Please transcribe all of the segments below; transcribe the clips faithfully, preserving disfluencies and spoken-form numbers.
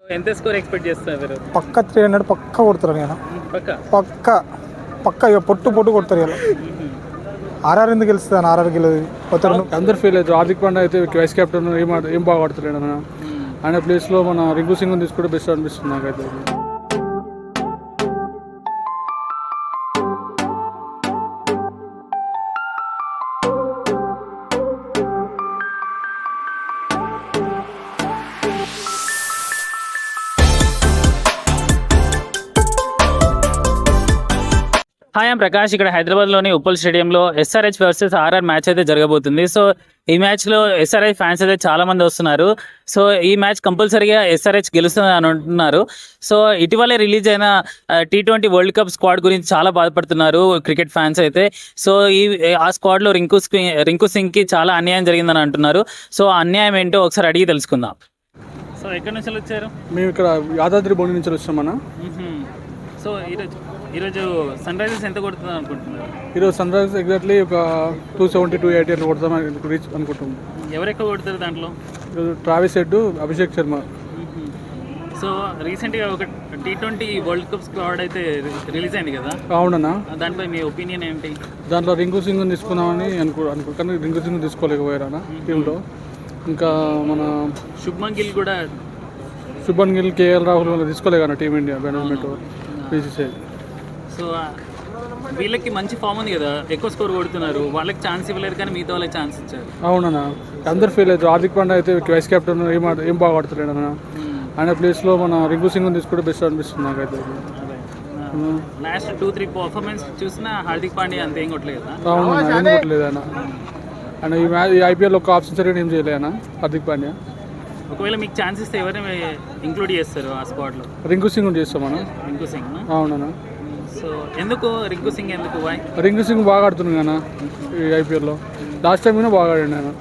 ఎంత score expect చేస్తున్నారు? పక్క త్రీ హండ్రెడ్ పక్క కొడతారు కదా, పక్క పక్క పక్క ఇక పొట్టు పొట్టు కొడతారు కదా. ఆర్ఆర్ ఎందుకు గెలుస్తుంది అని ఆర్ఆర్ గెలుతుంది అందరు ఫీల్ అవుతారు. హార్దిక్ పాండ్యా అయితే వైస్ కెప్టెన్ ఏం ఏం బాగా ఆడుతున్నాడు అన్న. ఆయన ప్లేస్లో మన రింకు సింగ్ తీసుకుంటే బెస్ట్ అనిపిస్తుంది నాకైతే. Hi I'm Prakash. ఇక్కడ హైదరాబాద్లోని ఉప్పల్ స్టేడియంలో ఎస్ఆర్హెచ్ వర్సెస్ ఆర్ఆర్ మ్యాచ్ అయితే జరగబోతుంది. సో ఈ మ్యాచ్లో ఎస్ఆర్హెచ్ ఫ్యాన్స్ అయితే చాలా మంది వస్తున్నారు. సో ఈ మ్యాచ్ కంపల్సరీగా ఎస్ఆర్హెచ్ గెలుస్తుంది అని అంటున్నారు. సో ఇటీవలే రిలీజ్ అయిన T twenty world cup squad గురించి చాలా బాధపడుతున్నారు క్రికెట్ ఫ్యాన్స్ అయితే. సో ఈ ఆ స్క్వాడ్లో రింకు రింకు సింగ్కి చాలా అన్యాయం జరిగిందని అంటున్నారు. సో అన్యాయం ఏంటో ఒకసారి అడిగి తెలుసుకుందాం. సో ఎక్కడి నుంచి వచ్చారు? మేము ఇక్కడ యాదాద్రి భువన నుంచి వచ్చామన్నా. సో ఈరోజు ఈరోజు సన్ రైజర్స్ ఎంత కొడుతుంది అనుకుంటున్నారు? ఈరోజు సన్ రైజర్స్ ఎగ్జాక్ట్లీ ఒక టూ సెవెంటీ టూ ఎయిటీ అట్లా కొడతాం రీచ్ అనుకుంటున్నాం. ఎవరు ఎక్కువ కొడతారు దాంట్లో? ఈరోజు Travis Head, Abhishek Sharma. So రీసెంట్గా ఒక T twenty world cup squad అయితే రిలీజ్ అయింది కదా. అవునన్నా. దానిపై మీ ఒపీనియన్ ఏంటి? దాంట్లో రింకు సింగ్ తీసుకున్నామని అనుకో అనుకో కానీ రింకు సింగ్ తీసుకోలేకపోయారా టీంలో. ఇంకా మన శుభ్మన్ గిల్ కూడా శుభన్ గిల్, కేఎల్ రాహుల్ వల్ల తీసుకోలేకన్నా టీమిండియా మేనేజ్మెంట్ బీసీసీఐ. సో వీళ్ళకి మంచి ఫామ్ ఉంది కదా, ఎక్కువ స్కోర్ కొడుతున్నారు. వాళ్ళకి ఛాన్స్ ఇవ్వలేరు కానీ మిగతా వాళ్ళకి ఛాన్స్ ఇచ్చారు. అవునన్నా. అందరు ఫీల్ అవుతారు. హార్దిక్ పాండ్యా అయితే వైస్ కెప్టెన్ ఏం ఏం బాగా ఆడుతున్నాడు అన్న. ఆయన ప్లేస్లో మన రింకు సింగ్ తీసుకుంటే బెస్ట్ అనిపిస్తుంది నాకైతే. లాస్ట్ టూ త్రీ పర్ఫార్మెన్స్ చూసినా హార్దిక్ పాండ్యా అంత ఏం కొట్టలేదు కదా. అవునన్నా, ఏం కొట్టలేదు ఆయన. ఆయన ఈ మ్యాచ్ ఈ ఐపీఎల్ ఒక ఆప్షన్ సరిగ్గా ఏం చేయలేదు అన్న హార్దిక్ పాండ్యా. ఒకవేళ మీకు ఛాన్స్ ఇస్తే ఎవరిని ఇంక్లూడ్ చేస్తారు ఆ స్క్వాడ్లో? రింకు సింగ్ చేస్తామన్నా. రింకు సింగ్. అవునన్నా. సో ఎందుకు రింకు సింగ్ ఎందుకు? వై? రింకు సింగ్ బాగా ఆడుతున్నాడు కదా ఈ ఐపీఎల్లో. లాస్ట్ టైం బాగా ఆడాడు ఆయన.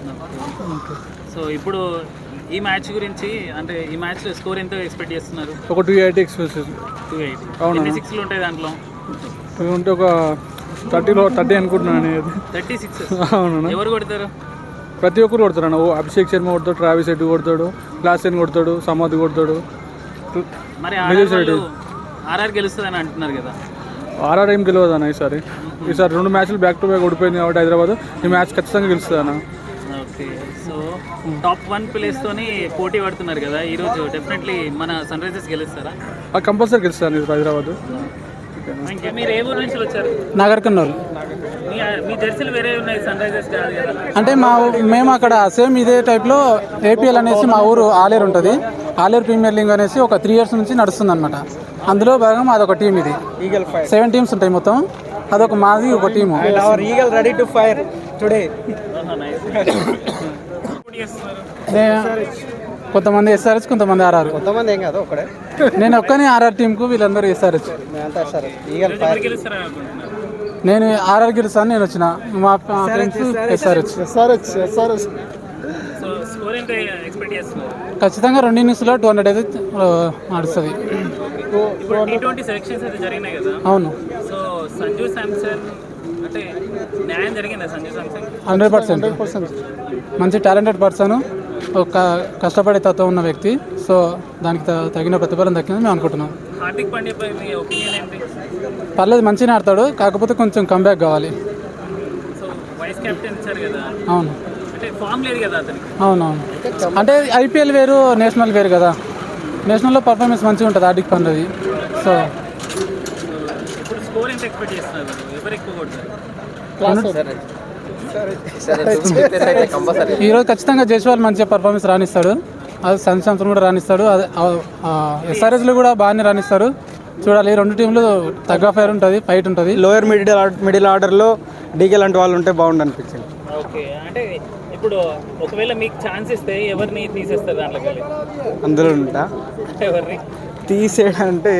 సో ఇప్పుడు ఈ మ్యాచ్ గురించి అంటే ఈ మ్యాచ్లో స్కోర్ ఎంత ఎక్స్పెక్ట్ చేస్తున్నారు? ఒక two eighty expect two eighty. అవునా? సిక్స్లు ఉంటాయి దాంట్లో. ఉంటే ఒక థర్టీలో థర్టీ అనుకుంటున్నాను. Thirty six. అవునా? ఎవరు కొడతారు? ప్రతి ఒక్కరు కొడతారు అన్న. అభిషేక్ శర్మ కొడతాడు, ట్రావిస్ హెడ్ కొడతాడు, క్లాసెన్ కొడతాడు, సమాధి కొడతాడు. మరి ఆర్ఆర్ గెలుస్తుంది అని అంటున్నారు కదా. ఆర్ఆర్ ఏం గెలవదు అన్న ఈసారి. ఈసారి రెండు మ్యాచ్లు బ్యాక్ టు బ్యాక్ ఓడిపోయింది కాబట్టి హైదరాబాద్ ఈ మ్యాచ్ ఖచ్చితంగా గెలుస్తుంది అన్న. ఓకే. సో టాప్ వన్ ప్లేస్తోని పోటీ పడుతున్నారు కదా ఈరోజు. డెఫినెట్లీ మన సన్ రైజర్స్ గెలుస్తారా? కంపల్సరీ గెలుస్తుంది హైదరాబాద్. మీరు ఏ ఊరు నుంచి వచ్చారు? నగర్ కర్నూలు. మీ జెర్సీలు వేరే ఉన్నాయి, సన్ రైజర్స్ కాదు కదా. అంటే మా మేము అక్కడ సేమ్ ఇదే టైప్లో ఏపీఎల్ అనేసి మా ఊరు ఆలేరు ఉంటుంది. ఆలేరు ప్రీమియర్ లీగ్ అనేసి ఒక త్రీ ఇయర్స్ నుంచి నడుస్తుంది అనమాట. అందులో భాగం అదొక టీం. ఇది సెవెన్ టీమ్స్ ఉంటాయి మొత్తం. అదొక మాది ఒక team. Ready to fire today. కొంతమంది ఎస్ఆర్హెచ్, కొంతమంది ఆర్ఆర్. కొంతమంది ఏం కాదు ఒకడే. నేను ఒక్కనే ఆర్ఆర్ టీంకు, వీళ్ళందరూ ఎస్ఆర్హెచ్. నేను ఆర్ఆర్ గెలుస్తాను. నేను వచ్చిన మా ఫ్రెండ్స్ ఎస్ఆర్హెచ్. ఎస్ఆర్హెచ్ ఎస్ఆర్హెచ్ ఖచ్చితంగా రెండు ఇన్నింగ్స్లో టూ హండ్రెడ్ అయితే నడుస్తుంది. అవును. హండ్రెడ్ పర్సెంట్ మంచి టాలెంటెడ్ పర్సన్, ఒక కష్టపడే తత్వం ఉన్న వ్యక్తి. సో దానికి తగిన ప్రతిఫలం దక్కిందని మేము అనుకుంటున్నాం. హార్దిక్ పాండ్యా పై మీ ఒపీనియన్ ఏంటి? పర్లేదు, మంచిగా ఆడతాడు. కాకపోతే కొంచెం కంబ్యాక్ కావాలి. సో వైస్ కెప్టెన్ ఇచ్చారు కదా. అవును. అంటే ఫామ్ లేదు కదా అతనికి. అవునవును. అంటే ఐపీఎల్ వేరు, నేషనల్ వేరు కదా. నేషనల్లో పర్ఫార్మెన్స్ మంచిగా ఉంటుంది హార్దిక్ పాండ్యాది. సో ఇప్పుడు స్కోర్ ఎంత ఎక్స్పెక్ట్ చేస్తున్నారు? ఎవరు ఎక్కువ కొడతారు? ఈరోజు ఖచ్చితంగా జైస్వాల్ మంచిగా పర్ఫార్మెన్స్ రాణిస్తాడు. అది సన్ శాంసన్ కూడా రాణిస్తాడు. అది ఎస్ఆర్ఎస్లో కూడా బాగానే రాణిస్తారు. చూడాలి. రెండు టీంలు తగ్గ ఫైర్ ఉంటుంది, ఫైట్ ఉంటుంది. లోయర్ మిడిల్ మిడిల్ ఆర్డర్లో డీకే లాంటి వాళ్ళు ఉంటే బాగుండు అనిపించింది. ఓకే. అంటే ఇప్పుడు ఒకవేళ మీకు ఛాన్స్ ఇస్తే ఎవరిని తీసేస్తారు దాంట్లోకి వెళ్ళి? అందులో ఉంటా ఎవరిని తీసేయడం అంటే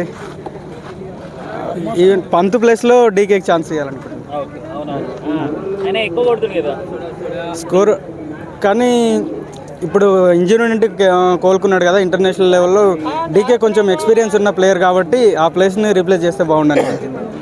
ఈవెన్ పంత్ ప్లేస్లో డీకేకి ఛాన్స్ ఇవ్వాలనుకుంటున్నాను. ఆయన ఎక్కువ కొడుతుంది కదా స్కోర్. కానీ ఇప్పుడు ఇంజరీ నుండి కోలుకున్నాడు కదా ఇంటర్నేషనల్ లెవెల్లో. డీకే కొంచెం ఎక్స్పీరియన్స్ ఉన్న ప్లేయర్ కాబట్టి ఆ ప్లేస్ని రీప్లేస్ చేస్తే బాగుండని.